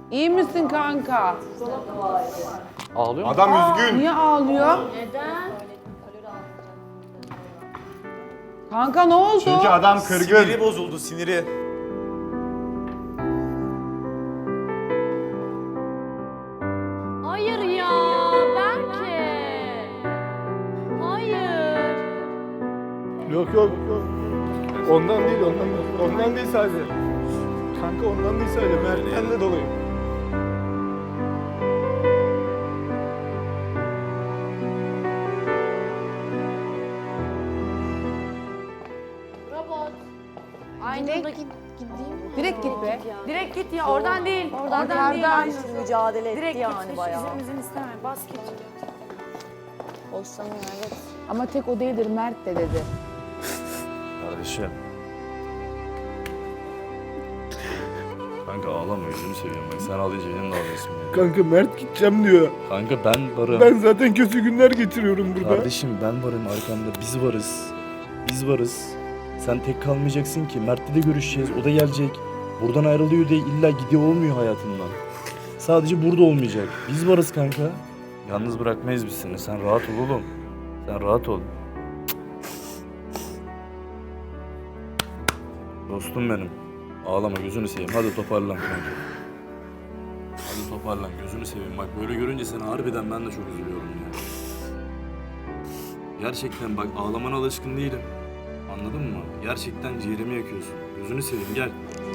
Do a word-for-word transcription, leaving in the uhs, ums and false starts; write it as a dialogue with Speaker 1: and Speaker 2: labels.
Speaker 1: İyi misin kanka?
Speaker 2: Ağlıyor mu?
Speaker 3: Adam üzgün.
Speaker 1: Niye ağlıyor?
Speaker 4: Neden?
Speaker 1: Kanka ne oldu?
Speaker 3: Çünkü adam kırgın.
Speaker 5: Siniri bozuldu, siniri.
Speaker 4: Hayır ya, Berke. Hayır.
Speaker 6: Yok yok yok. Ondan değil, ondan değil. Ondan değil sadece. Kanka ondan değil sadece. Mert'ten de dolayı.
Speaker 4: Robot. Aynı
Speaker 1: Direkt-
Speaker 4: da git, gideyim mi?
Speaker 1: Direkt git be.
Speaker 7: Direkt git ya oradan değil. Oradan,
Speaker 1: Oradan.
Speaker 7: değil. Aynen.
Speaker 8: Mücadele etti
Speaker 7: Direkt
Speaker 8: yani
Speaker 7: git.
Speaker 8: bayağı.
Speaker 7: Üzerimizi isteme. Bas git.
Speaker 8: Hoşlanıyor evet.
Speaker 1: Ama tek o değildir, Mert de dedi.
Speaker 9: Kardeşim. Kanka ağlama, yüzünü seveyim bak. Sen ağlayınca benim de ağlıyorsun ya.
Speaker 6: Kanka Mert gideceğim diyor.
Speaker 9: Kanka ben varım.
Speaker 6: Ben zaten kötü günler geçiriyorum burada.
Speaker 9: Kardeşim ben varım arkamda. Biz varız. Biz varız. Sen tek kalmayacaksın ki. Mert'le de görüşeceğiz. O da gelecek. Buradan ayrılıyor diye illa gidiyor olmuyor hayatından. Sadece burada olmayacak. Biz varız kanka. Yalnız bırakmayız biz seni. Sen rahat ol oğlum. Sen rahat ol. Dostum benim. Ağlama, gözünü seveyim. Hadi toparlan kanka. Hadi toparlan, gözünü seveyim. Bak böyle görünce seni harbiden ben de çok üzülüyorum ya. Gerçekten bak ağlamana alışkın değilim. Anladın mı? Gerçekten ciğerimi yakıyorsun. Gözünü seveyim, gel.